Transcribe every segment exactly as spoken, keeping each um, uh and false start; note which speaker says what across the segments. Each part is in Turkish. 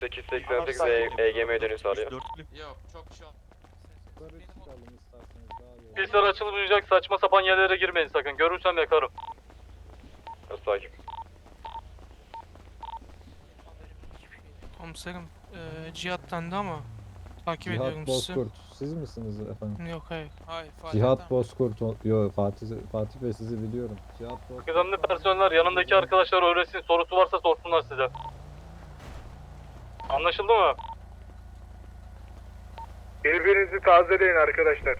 Speaker 1: sekiz seksen sekiz E G M'ye dönüş sağlıyor.
Speaker 2: Yok çok şey olmaz.
Speaker 3: Pisler açılmayacak, saçma sapan yerlere girmeyin sakın. Görürsem yakarım.
Speaker 1: Nasıl takip?
Speaker 4: Komiserim, eee Cihat'tandı ama takip
Speaker 5: Cihat
Speaker 4: ediyorum sizi.
Speaker 5: Bozkurt. Siz misiniz efendim?
Speaker 4: Yok hayır.
Speaker 2: Hayır Fatih
Speaker 5: Cihat
Speaker 2: tamam.
Speaker 5: Bozkurt. o- Yo Fatih Fatih Bey sizi biliyorum. Cihat Bozkurt.
Speaker 3: Kıdemli personeller yanındaki arkadaşlar öğretsin. Sorusu varsa sorsunlar size. Anlaşıldı mı?
Speaker 6: Birbirinizi tazeleyin arkadaşlar.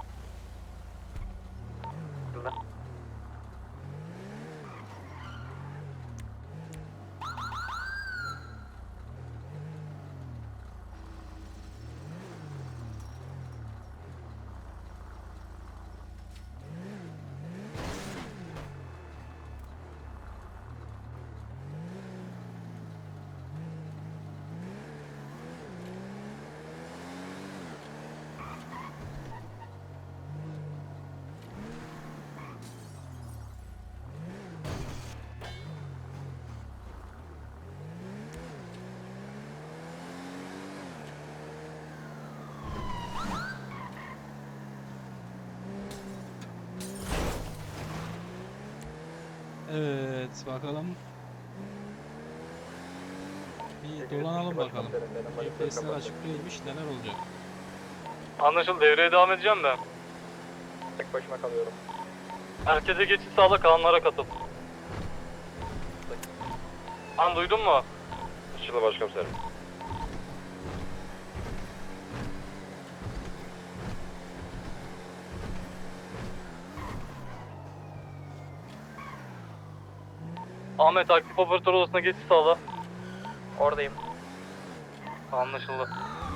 Speaker 7: Evet bakalım. Bir dolanalım bakalım. G P S'ler açık değilmiş, neler olacak?
Speaker 3: Anlaşıldı. Devreye devam edeceğim de.
Speaker 1: Tek başıma kalıyorum.
Speaker 3: Herkese geçiş sağla, kalanlara katıl. An duydun mu?
Speaker 1: Işılı başkomiserim.
Speaker 3: Ahmet, aktif operatör odasına geçiş sağla.
Speaker 1: Oradayım.
Speaker 3: Anlaşıldı.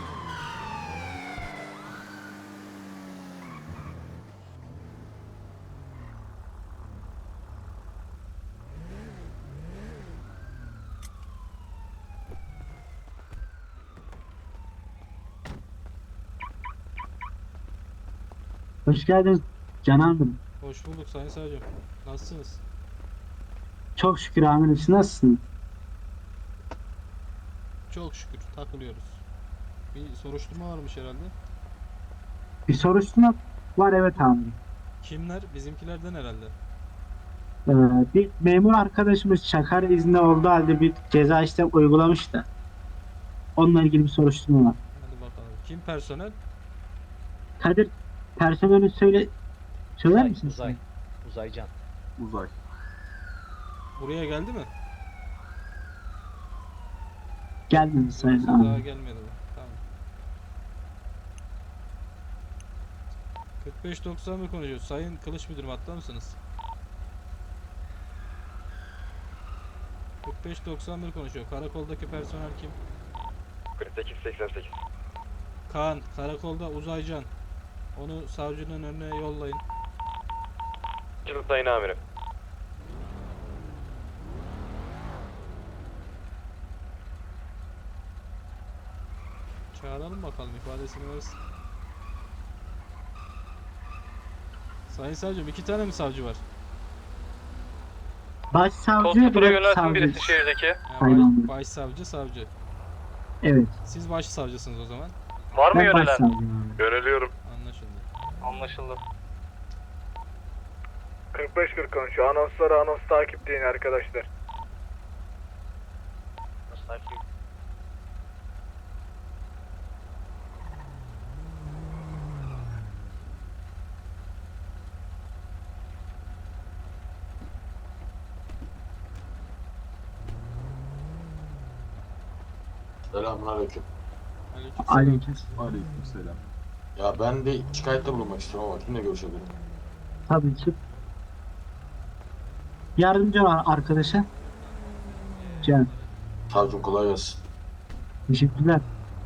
Speaker 8: Hoş geldiniz Canan'ım.
Speaker 7: Hoş bulduk Sayın Savcım. Nasılsınız?
Speaker 8: Çok şükür amirim, siz nasılsınız?
Speaker 7: Çok şükür takılıyoruz. Bir soruşturma varmış herhalde.
Speaker 8: Bir soruşturma var, evet amirim.
Speaker 7: Kimler? Bizimkilerden herhalde.
Speaker 8: Ee, bir memur arkadaşımız Çakar izni olduğu halde bir ceza işlem uygulamış da. Onunla ilgili bir soruşturma var.
Speaker 7: Hadi bakalım. Kim personel?
Speaker 8: Kadir, personeli söyle söyler
Speaker 9: Uzay,
Speaker 8: misin?
Speaker 9: uzay. Uzaycan.
Speaker 6: Uzay.
Speaker 7: Buraya geldi mi?
Speaker 8: Geldiniz sayın
Speaker 7: Yoksa daha
Speaker 8: amirim.
Speaker 7: gelmedi mi? Tamam. kırk beş doksan mı konuşuyor? Sayın Kılıç Müdürüm hatta mısınız? kırk beş doksan bir konuşuyor. Karakoldaki personel kim?
Speaker 1: kırk sekiz seksen sekiz.
Speaker 7: Kaan, karakolda Uzaycan. Onu savcının önüne yollayın.
Speaker 1: Işılı sayın amirim.
Speaker 7: Çağıralım bakalım ifadesini versin. Sayın savcım, iki tane mi savcı var?
Speaker 8: Başsavcı
Speaker 3: Kod sıfıra
Speaker 8: ve
Speaker 3: yönelsin
Speaker 8: savcı.
Speaker 3: birisi şehirdeki.
Speaker 7: Ha,
Speaker 8: Aynen.
Speaker 7: baş, başsavcı, savcı.
Speaker 8: Evet.
Speaker 7: Siz başsavcısınız o zaman.
Speaker 3: Var mı
Speaker 8: Ben
Speaker 3: yönelen?
Speaker 8: başsavcıyım amirim.
Speaker 1: Yöneliyorum.
Speaker 7: Anlaşıldı.
Speaker 3: Anlaşıldı.
Speaker 6: kırk beş kırk konuşuyor. Anonsları anons takipleyin arkadaşlar.
Speaker 9: Nasıl takip?
Speaker 10: Selamünaleyküm.
Speaker 7: Aleykümselam.
Speaker 8: Aleyküm.
Speaker 6: Aleykümselam.
Speaker 10: Ya ben bir şikayette bulunmak istiyorum ama kimle görüşebilirim?
Speaker 8: Tabii ki. Yardımcı var arkadaşa. Can.
Speaker 10: Savcım kolay gelsin.
Speaker 8: Teşekkürler.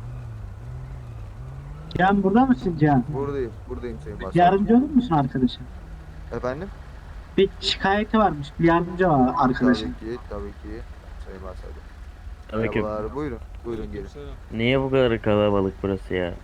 Speaker 8: Can, burada mısın Can?
Speaker 6: Buradayım. Buradayım Sayın Başkanım.
Speaker 8: Yardımcı olur musun arkadaşa?
Speaker 6: Efendim?
Speaker 8: Bir şikayeti varmış. Bir yardımcı var arkadaşa.
Speaker 6: Tabii ki. Tabii ki. Sayın Başkanım.
Speaker 11: Aleyküm.
Speaker 6: Merhabalar. Buyurun. Buyurun gelin.
Speaker 7: Aleykümselam.
Speaker 11: Niye bu kadar kalabalık burası ya?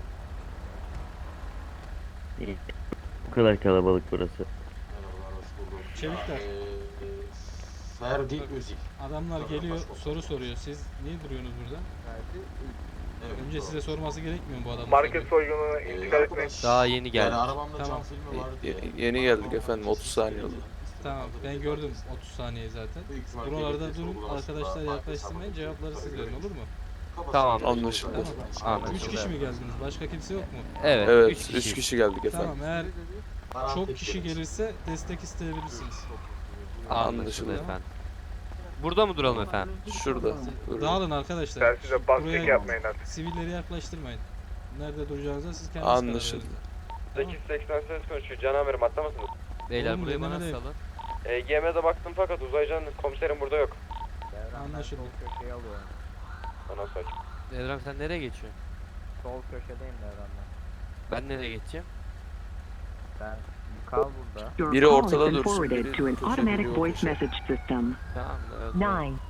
Speaker 11: Niye bu kadar kalabalık burası?
Speaker 10: Merhabalar, hoş bulduk.
Speaker 7: Çevikler.
Speaker 10: Ee, Ferdi Özil.
Speaker 7: Adamlar geliyor soru soruyor. Siz niye duruyorsunuz burada?
Speaker 10: Evet,
Speaker 7: Önce
Speaker 10: doğru.
Speaker 7: size sorması gerekmiyor mu bu adamın?
Speaker 6: Market
Speaker 7: soruyu?
Speaker 6: soygununa
Speaker 10: Ee,
Speaker 6: intikal etmeyin.
Speaker 10: arkadaş,
Speaker 2: Daha yeni geldik.
Speaker 10: Yani arabamda
Speaker 7: Tamam.
Speaker 10: cam filmi vardı ya.
Speaker 2: Yeni geldik efendim, otuz saniye oldu.
Speaker 7: Tamam ben gördüm otuz saniye zaten.
Speaker 10: Büyük ihtimal
Speaker 7: Buralarda
Speaker 10: gerekli
Speaker 7: durun
Speaker 10: sorgulamasında
Speaker 7: arkadaşlar
Speaker 10: farklı
Speaker 7: yaklaştırmayın,
Speaker 10: hesaba
Speaker 7: cevapları siz verin, olur mu?
Speaker 10: Kafasına
Speaker 2: Tamam,
Speaker 10: göre
Speaker 2: anlaşıldı.
Speaker 10: Tamam.
Speaker 7: Üç kişi mi geldiniz? Başka kimse yok mu?
Speaker 2: Evet,
Speaker 11: Evet,
Speaker 2: üç kişi. kişi geldik efendim.
Speaker 7: Tamam, eğer
Speaker 10: Karanlık
Speaker 7: çok kişi
Speaker 10: bekleriz.
Speaker 7: gelirse destek isteyebilirsiniz.
Speaker 2: Anlaşıldı
Speaker 7: Tamam.
Speaker 2: efendim. Burada mı duralım efendim? Şurada. Buyurun.
Speaker 7: Dağılın arkadaşlar.
Speaker 6: Telsize bastık
Speaker 7: Buraya-
Speaker 6: yapmayın artık.
Speaker 7: Sivilleri yaklaştırmayın. Nerede duracağınıza siz kendiniz karar
Speaker 2: Anlaşıldı.
Speaker 7: verin.
Speaker 1: sekiz seksen sekiz konuşuyor. Can amirim atlar mısınız?
Speaker 2: Beyler
Speaker 7: Oğlum,
Speaker 2: burayı bana
Speaker 7: nereye?
Speaker 2: salın.
Speaker 1: E, G M'de baktım fakat Uzaycan komiserim burada yok.
Speaker 7: Anlaşıldı.
Speaker 1: Bana sakin.
Speaker 2: Devran sen nereye geçiyorsun?
Speaker 9: Sol köşedeyim Devran'da.
Speaker 2: Ben nereye geçeceğim?
Speaker 9: Ben kal burada.
Speaker 12: Your
Speaker 2: Biri
Speaker 12: call has
Speaker 2: ortada
Speaker 12: been
Speaker 2: dursun,
Speaker 12: forwarded
Speaker 2: biri
Speaker 12: to an
Speaker 2: köşede,
Speaker 12: automatic
Speaker 2: biri o
Speaker 12: voice
Speaker 2: köşe.
Speaker 12: message system.
Speaker 2: Tamam mı? Evet, o zaman.
Speaker 12: Nine.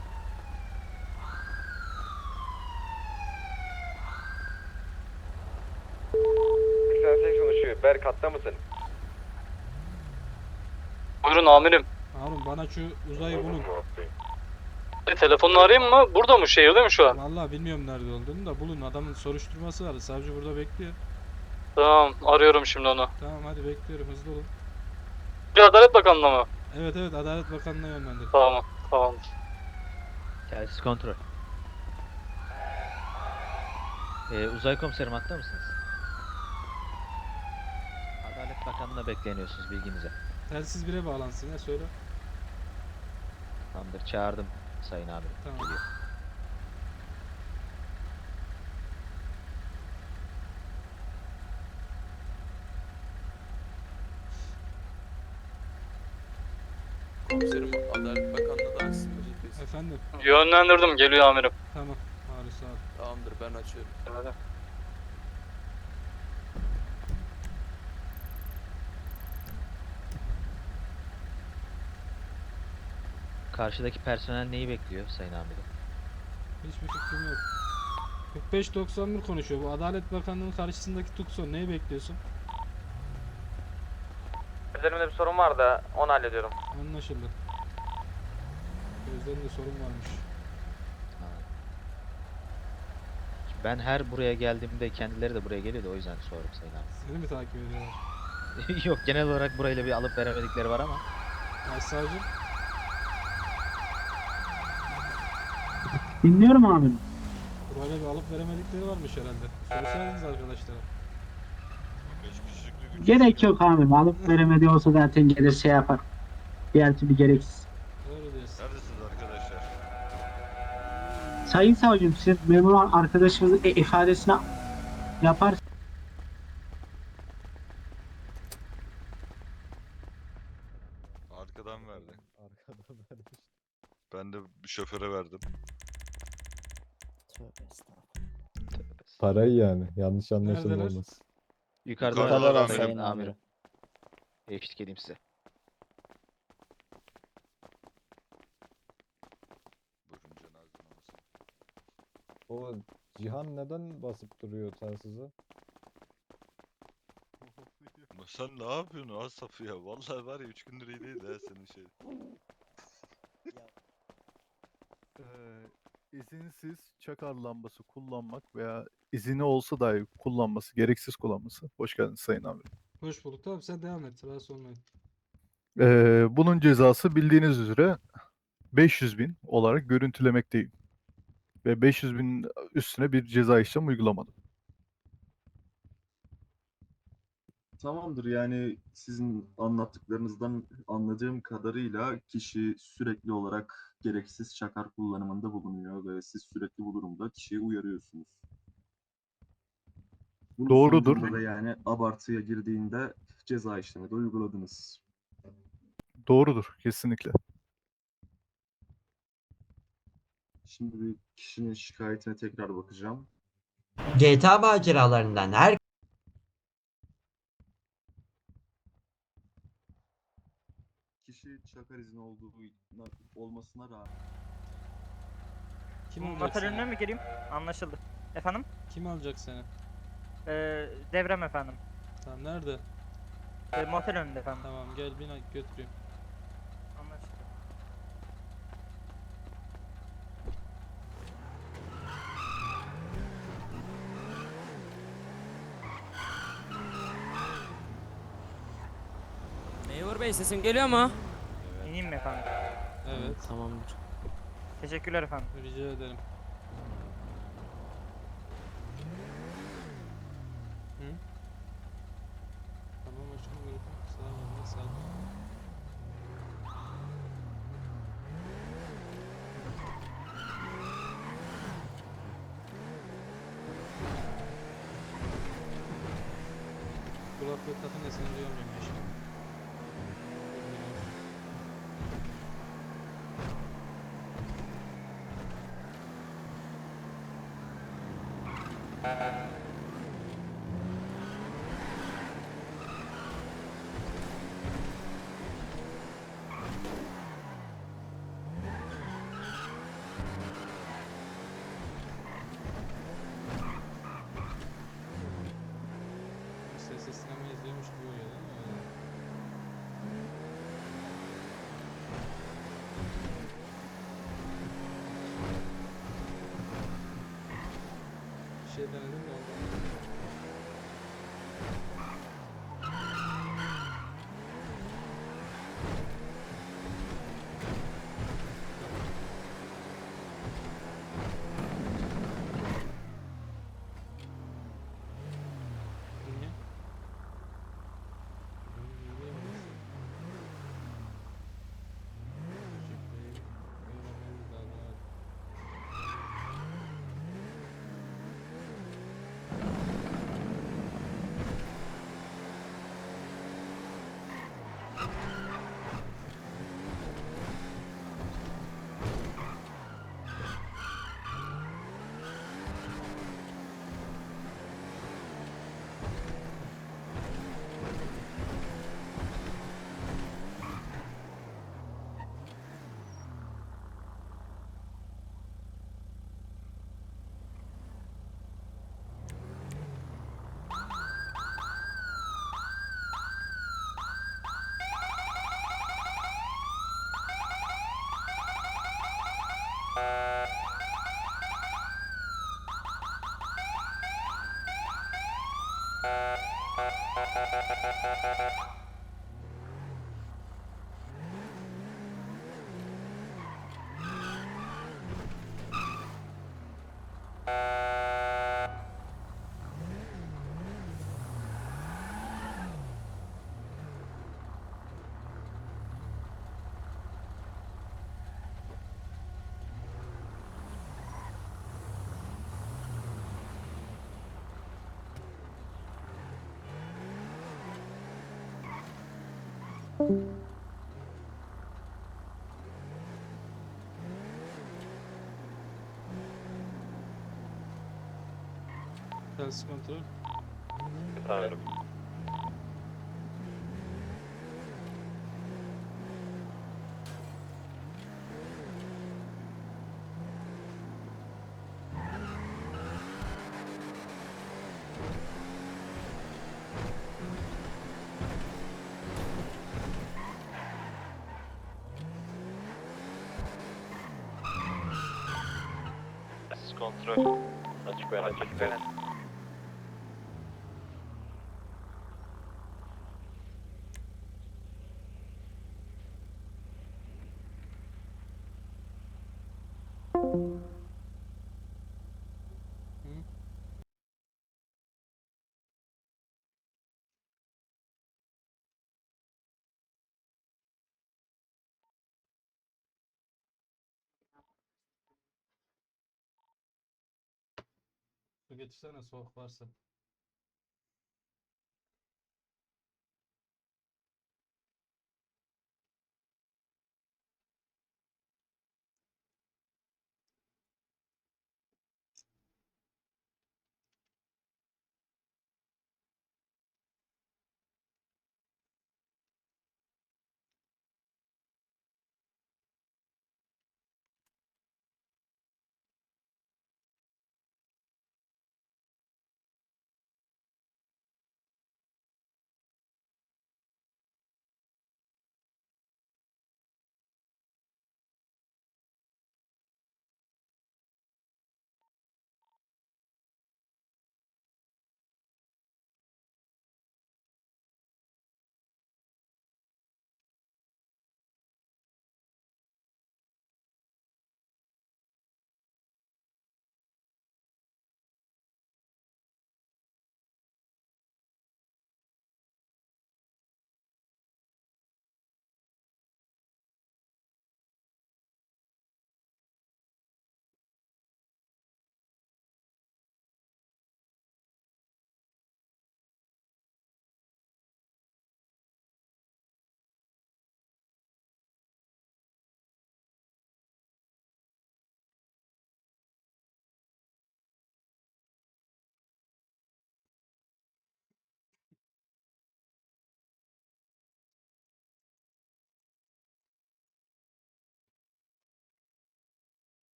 Speaker 1: seksen sekiz konuşuyor. Berk hatta mısın?
Speaker 3: Buyurun amirim.
Speaker 7: Harun bana şu uzayı bulun.
Speaker 3: E, telefonunu arayayım mı? Burada mı? Şehirde mi şu an?
Speaker 7: Vallahi bilmiyorum nerede olduğunu da bulun. Adamın soruşturması var. Savcı burada bekliyor.
Speaker 3: Tamam, arıyorum şimdi onu.
Speaker 7: Tamam hadi bekliyorum, hızlı olun.
Speaker 3: Bir Adalet Bakanlığı mı?
Speaker 7: Evet evet, Adalet Bakanlığı'na yönlendir.
Speaker 3: Tamam, tamam.
Speaker 9: Telsiz kontrol. Ee, uzay komiserim hatta mısınız? Adalet Bakanlığı'na bekleniyorsunuz bilginize.
Speaker 7: Telsiz bire bağlansın ya, söyle.
Speaker 9: Tamamdır, çağırdım sayın amirim.
Speaker 7: Tamam.
Speaker 9: Geliyor.
Speaker 2: Komiserim Adalet Bakanlığı da açsın mı G P S?
Speaker 7: Efendim.
Speaker 3: Yönlendirdim, geliyor amirim.
Speaker 7: Tamam. Harun sağ ol.
Speaker 2: Tamamdır, ben açıyorum.
Speaker 3: Hadi.
Speaker 9: Karşıdaki personel neyi bekliyor sayın amirim?
Speaker 7: Hiçbir fikrim yok. kırk beş doksan bir konuşuyor. Bu Adalet Bakanlığı'nın karşısındaki Tukson. Neyi bekliyorsun?
Speaker 1: Üzerimde bir sorun var da onu hallediyorum.
Speaker 7: Anlaşıldı. Gözlerinde sorun varmış.
Speaker 9: Ha. Ben her buraya geldiğimde kendileri de buraya geliyor da o yüzden sordum sayın amirim.
Speaker 7: Seni mi takip ediyorlar?
Speaker 9: Yok, genel olarak burayla bir alıp veremedikleri var ama.
Speaker 7: Başsavcım.
Speaker 8: Dinliyorum abi.
Speaker 7: Burayla bir alıp veremedikleri varmış herhalde. Sorsaydınız arkadaşlara.
Speaker 8: Gerek yok abi. Alıp veremedi olsa zaten gelir şey yapar. Diğer türlü gereksiz.
Speaker 7: Doğru diyorsun.
Speaker 8: Sayın savcım, siz memur arkadaşımızın e- ifadesini yapar.
Speaker 13: Arkadan verdi.
Speaker 5: Arkada vermiş.
Speaker 13: Ben de şoföre verdim.
Speaker 5: Parayı yani. Yanlış anlaşılma
Speaker 7: Neredeler?
Speaker 5: olmasın.
Speaker 9: Yukarıda
Speaker 13: Yukarıdalar
Speaker 9: var
Speaker 13: amirim.
Speaker 9: sayın amirim. Eşlik edeyim size.
Speaker 13: Buyurun cenaze namazı.
Speaker 5: O Cihan neden basıp duruyor telsize?
Speaker 13: Ama sen ne yapıyorsun Asaf ya? Vallahi var ya üç gündür iyi değil ha senin şey.
Speaker 14: izinsiz çakar lambası kullanmak veya izini olsa dahi kullanması, gereksiz kullanması. Hoş geldiniz sayın amirim.
Speaker 7: Hoş bulduk. Tamam sen devam et. Rahatsız olmayın.
Speaker 14: Ee, bunun cezası bildiğiniz üzere beş yüz bin olarak görüntülemekteyim. Ve beş yüz bin üstüne bir ceza işlem uygulamadım.
Speaker 10: Tamamdır, yani sizin anlattıklarınızdan anladığım kadarıyla kişi sürekli olarak gereksiz çakar kullanımında bulunuyor ve siz sürekli bu durumda kişiyi uyarıyorsunuz. Bunun
Speaker 14: Doğrudur.
Speaker 10: sonucunda da yani abartıya girdiğinde ceza işlemi de uyguladınız.
Speaker 14: Doğrudur, kesinlikle.
Speaker 10: Şimdi bir kişinin şikayetine tekrar bakacağım.
Speaker 15: G T A maceralarından her
Speaker 10: Kişi çakar izni olduğu olmasına rağmen
Speaker 7: Kim alacak seni?
Speaker 12: mi gireyim? Anlaşıldı. Efendim?
Speaker 7: Kim alacak seni?
Speaker 12: Ee, devrem efendim.
Speaker 7: Tamam nerede?
Speaker 12: Ee, motel önünde efendim.
Speaker 7: Tamam gel bin götüreyim.
Speaker 12: Anlaşıldı. Memur bey sesim geliyor mu? İneyim mi efendim?
Speaker 7: Evet.
Speaker 12: Tamamdır. Teşekkürler efendim.
Speaker 7: Rica ederim. Hı? Tamam başkanım, görüşmek üzere. Sağ olun. Sağ olun. Kulaklığı takın da seni duyamıyorum başkanım. Ses sinema izliyormuş gibi oluyor değil mi? Öyle. Bir şey denedim de ondan. Niye? Telsiz kontrol.
Speaker 1: Efendim. Kontrol. Açık veren, açık veren.
Speaker 7: Hı? Su getirsene, soğuk varsa.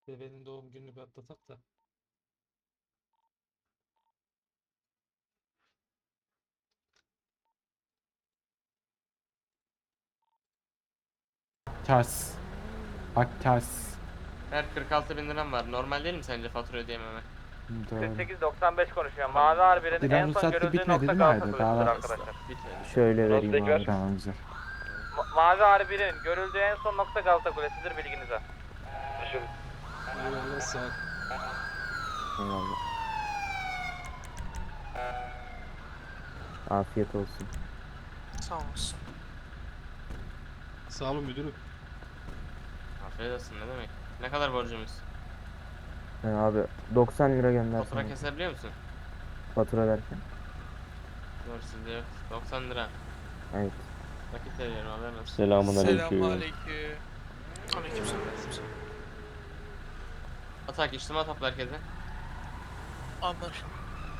Speaker 7: Bebeğin doğum gününü bir atlatak da.
Speaker 12: Ters. Bak ters.
Speaker 2: Her kırk altı bin liram var. Normal değil mi sence fatura ödeyememe?
Speaker 12: Doğru.
Speaker 1: sekiz doksan beş konuşuyor. Mavi Harbi'nin
Speaker 12: Dilan
Speaker 1: en son
Speaker 12: ruhsatlı
Speaker 1: görüldüğü
Speaker 12: bitmedi
Speaker 1: nokta
Speaker 12: değil mi
Speaker 1: Galata
Speaker 12: hala?
Speaker 1: Kulesi'dir
Speaker 12: Daha-
Speaker 1: arkadaşlar.
Speaker 2: Bitmedi.
Speaker 11: Şöyle vereyim
Speaker 1: tekrar.
Speaker 11: abi.
Speaker 12: Tamam güzel.
Speaker 1: Ma- Mavi Harbi'nin görüldüğü en son nokta Galata Kulesi'dir bilginize.
Speaker 7: Eyvallah sağ ol.
Speaker 11: Eyvallah. Afiyet olsun.
Speaker 4: Sağ olasın.
Speaker 7: Sağ olun müdürüm.
Speaker 2: Afiyet olsun ne demek? Ne kadar borcumuz?
Speaker 11: He abi doksan lira gönder
Speaker 2: Fatura
Speaker 11: sana.
Speaker 2: kesebiliyor musun?
Speaker 11: Fatura derken.
Speaker 2: Doğru sizde yok. doksan lira.
Speaker 11: Evet.
Speaker 2: Nakit veriyorum haberin olsun.
Speaker 11: Selamun aleyküm.
Speaker 4: Selamünaleyküm. Aleykümselam.
Speaker 2: Atak içtima topla herkese.
Speaker 4: Anlaşıldı.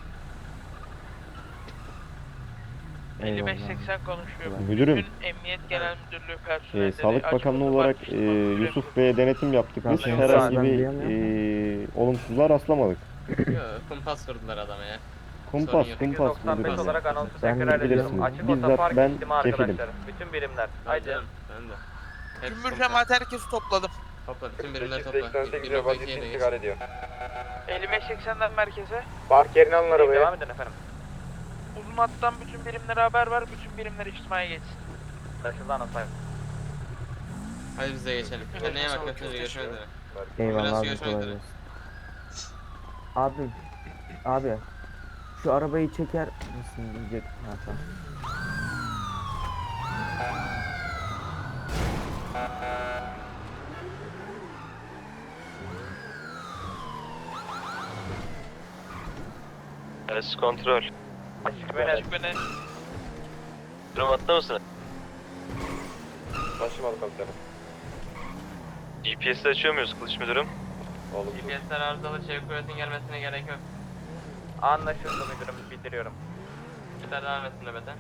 Speaker 11: Eyvallah.
Speaker 4: konuşuyor.
Speaker 11: Müdürüm,
Speaker 4: Emniyet Genel Müdürlüğü
Speaker 11: e,
Speaker 4: personelleri
Speaker 11: Sağlık Bakanlığı olarak e, Yusuf Bey'e denetim yaptık. Biz
Speaker 7: Ben
Speaker 11: herhangi
Speaker 5: ben
Speaker 11: bir
Speaker 5: diyemiyorum.
Speaker 11: e, olumsuzluğa rastlamadık.
Speaker 2: Yo, kumpas kurdular adama ya.
Speaker 11: Kumpas,
Speaker 2: Sorun yok.
Speaker 11: kumpas
Speaker 1: doksan beş
Speaker 11: müdürüm.
Speaker 1: olarak anonsu
Speaker 11: Sen
Speaker 1: tekrar ediyorum.
Speaker 11: bilirsiniz.
Speaker 1: Açık
Speaker 11: Bizzat
Speaker 1: otopark
Speaker 11: ben
Speaker 1: içtima
Speaker 11: kefilim.
Speaker 1: arkadaşlar. Bütün birimler.
Speaker 2: Haydi.
Speaker 1: Haydi.
Speaker 2: Ben de. Hepsi
Speaker 4: Cümbür
Speaker 2: kumpas.
Speaker 4: cemaat herkesi topladım.
Speaker 2: Topla bütün birimleri
Speaker 1: sekiz
Speaker 2: topla.
Speaker 1: seksen sekiz
Speaker 2: Bir nokta
Speaker 1: vaziyet
Speaker 2: ikiye de geç.
Speaker 1: intikal ediyor.
Speaker 4: elli beş seksenden merkeze.
Speaker 6: Park yerine alın arabayı.
Speaker 1: Devam edin efendim.
Speaker 4: Uzun hattan bütün birimlere haber ver. Bütün birimler içtimaya geçsin.
Speaker 1: Anlaşıldı anonsayım.
Speaker 2: Hadi biz de geçelim.
Speaker 4: Evet,
Speaker 2: Kendine iyi bak.
Speaker 4: sağ ol,
Speaker 2: Görüşmek
Speaker 4: çok
Speaker 2: üzere.
Speaker 4: teşekkür
Speaker 2: Görüşmek üzere.
Speaker 11: Eyvallah
Speaker 2: Biraz
Speaker 11: abi,
Speaker 2: görüşmek
Speaker 11: kolay
Speaker 2: üzere.
Speaker 11: gelsin. Abi, abi şu arabayı çeker misin diyecek. Ha, tamam.
Speaker 1: Arası kontrol. Açık beni. Açık beni. Durum hatta mısın? Başlamadı komiserim. G P S'i açıyor muyuz kılıç müdürüm? Oğlum.
Speaker 2: G P S'ler arızalı çevik kuvvetin gelmesine gerek yok.
Speaker 1: Anlaşıldı müdürüm bildiriyorum.
Speaker 2: Yeter devam etsin nöbete.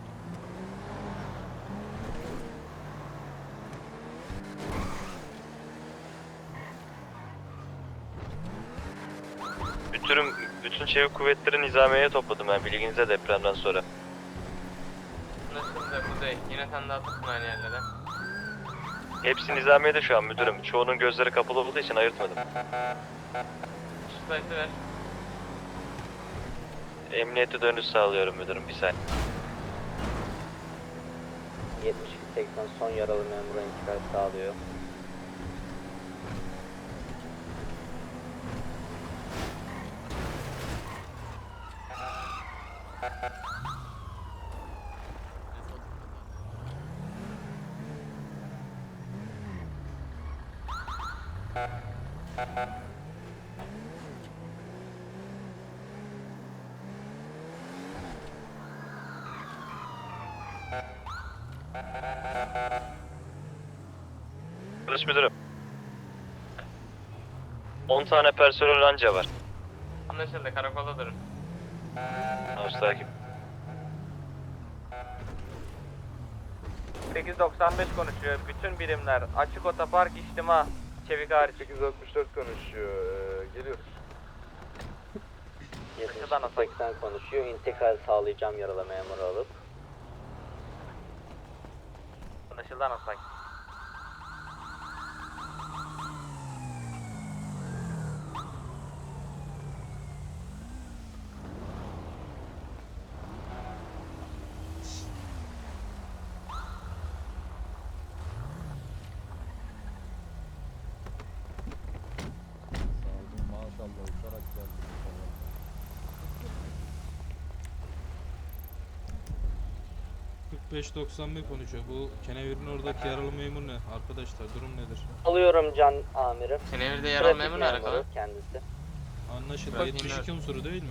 Speaker 1: Müdürüm bütün çevik kuvvetleri nizamiyeye topladım ben bilginize depremden sonra.
Speaker 2: Nasılsınız Kuzey? Yine sen de atırsın aynı yerlere.
Speaker 1: Hepsi nizamiyede şu an müdürüm. Çoğunun gözleri kapalı olduğu için ayırtmadım.
Speaker 2: Şu sayısı ver.
Speaker 1: Emniyete dönüş sağlıyorum müdürüm bir saniye.
Speaker 12: yetmiş iki seksen son yaralı memura intikal sağlıyor.
Speaker 1: Kılıç müdürüm. on tane personel anca var.
Speaker 2: Anlaşıldı. Karakolda durun.
Speaker 1: Hoş takip. sekiz doksan beş konuşuyor. Bütün birimler açık otopark içtima. Çevik hariç. sekiz altmış dört konuşuyor. Ee, geliyoruz.
Speaker 12: yetmiş iki seksen konuşuyor. İntikal sağlayacağım yaralı memuru alıp.
Speaker 1: Anlaşıldı anonsay.
Speaker 5: Maşallah uçarak geldik.
Speaker 7: kırk beş doksan bir konuşuyor. Bu kenevirin oradaki yaralı memur ne? Arkadaşlar durum nedir?
Speaker 12: Alıyorum can amirim.
Speaker 2: Kenevir'de yaralı memur ne alakalı?
Speaker 12: Kendisi.
Speaker 7: Anlaşıldı.
Speaker 2: Bak,
Speaker 7: yetmiş iki unsuru değil mi?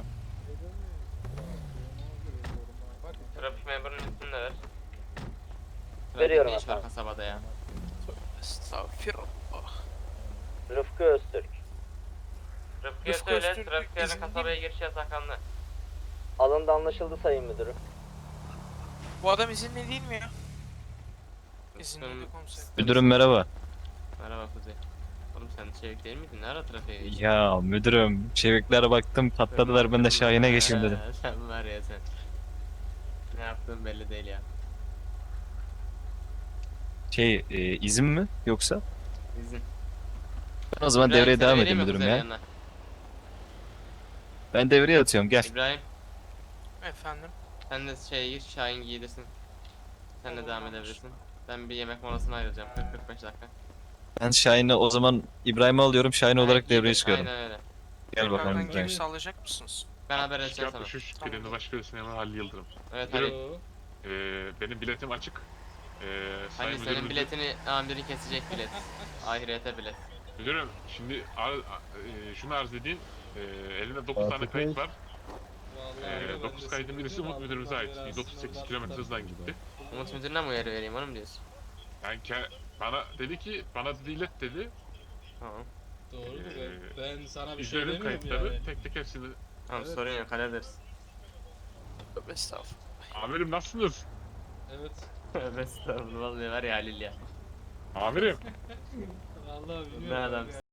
Speaker 2: Trafik memurunun ismini de ver.
Speaker 12: Veriyorum
Speaker 2: Ne iş var
Speaker 12: efendim.
Speaker 2: kasabada ya?
Speaker 4: Estağfirullah.
Speaker 12: Rıfkı Öztürk.
Speaker 2: Rıfkı'ya
Speaker 4: Rıfkı
Speaker 2: söyle,
Speaker 4: Öztürk
Speaker 2: trafik yerine
Speaker 4: izin değil
Speaker 2: kasabaya giriş yasaklandı.
Speaker 12: Alındı anlaşıldı sayın müdürüm.
Speaker 4: Bu adam izinli değil mi ya? İzinli komiser.
Speaker 2: Müdürüm merhaba. Merhaba Kuzey. Oğlum sen Çevik değil miydin? Ne ara trafiğe geçtin?
Speaker 3: Ya müdürüm, çeviklere baktım patladılar, ben de Şahin'e geçeyim dedim.
Speaker 2: Ha, sen var ya sen. Ne yaptığın belli değil ya.
Speaker 3: Şey, e, izin mi yoksa?
Speaker 2: İzin.
Speaker 3: Ben o zaman
Speaker 2: İbrahim,
Speaker 3: devreye
Speaker 2: seni
Speaker 3: devam
Speaker 2: vereyim
Speaker 3: edeyim
Speaker 2: mi
Speaker 3: müdürüm
Speaker 2: kuzenin
Speaker 3: ya.
Speaker 2: yanına?
Speaker 3: Ben devreye atıyorum, gel.
Speaker 2: İbrahim
Speaker 4: Efendim?
Speaker 2: sen de şey gir Şahin giydirsin. Sen de devam edebilirsin. Ben bir yemek molasına ayrılacağım kırk kırk beş dakika.
Speaker 3: Ben Şahin'i o zaman İbrahim'i alıyorum, Şahin
Speaker 2: Ha,
Speaker 3: olarak
Speaker 2: giydir,
Speaker 3: devreye çıkıyorum.
Speaker 2: Aynen öyle.
Speaker 3: Gel bakalım
Speaker 4: Tekrardan
Speaker 3: İbrahim.
Speaker 4: geri sağlayacak mısınız?
Speaker 2: Ben haber edeceğim sana.
Speaker 4: Tamam.
Speaker 16: Başkanı Süleyman Halil Yıldırım.
Speaker 2: Evet Ali.
Speaker 7: Yo.
Speaker 16: Ee, benim biletim açık. Ee,
Speaker 2: Hani senin biletini amirin kesecek bilet. Ahirete bilet.
Speaker 16: Müdürüm şimdi ar, e, şunu arz edeyim. Ee, elimde dokuz tane
Speaker 5: Fatih
Speaker 16: kayıt
Speaker 5: Bey.
Speaker 16: var.
Speaker 7: Vallahi
Speaker 16: Ee,
Speaker 7: ben de
Speaker 16: dokuz kaydın birisi
Speaker 7: sıkıntı yok,
Speaker 16: Umut müdürümüze
Speaker 7: Allah
Speaker 16: ait.
Speaker 7: belasını
Speaker 16: yüz otuz sekiz
Speaker 7: versin.
Speaker 16: kilometre hızdan gitti.
Speaker 2: Umut müdürüne mi uyarı vereyim onu mu diyorsun?
Speaker 16: Yani ke- bana dedi ki bana dedi ilet dedi.
Speaker 2: Tamam.
Speaker 7: Doğrudur
Speaker 16: Ee,
Speaker 7: ben, ben sana bir şey
Speaker 16: İzledim
Speaker 7: demiyorum
Speaker 16: kayıtları
Speaker 7: yani.
Speaker 16: tek tek hepsini.
Speaker 2: Tamam
Speaker 7: Evet.
Speaker 2: sorun yok hallederiz.
Speaker 4: Tövbe estağfurullah.
Speaker 16: Amirim nasılsınız?
Speaker 7: Evet.
Speaker 2: Tövbe estağfurullah vallahi var ya Halil ya.
Speaker 16: Amirim.
Speaker 7: Vallahi
Speaker 2: Ne
Speaker 7: bilmiyorum.
Speaker 2: adamsın.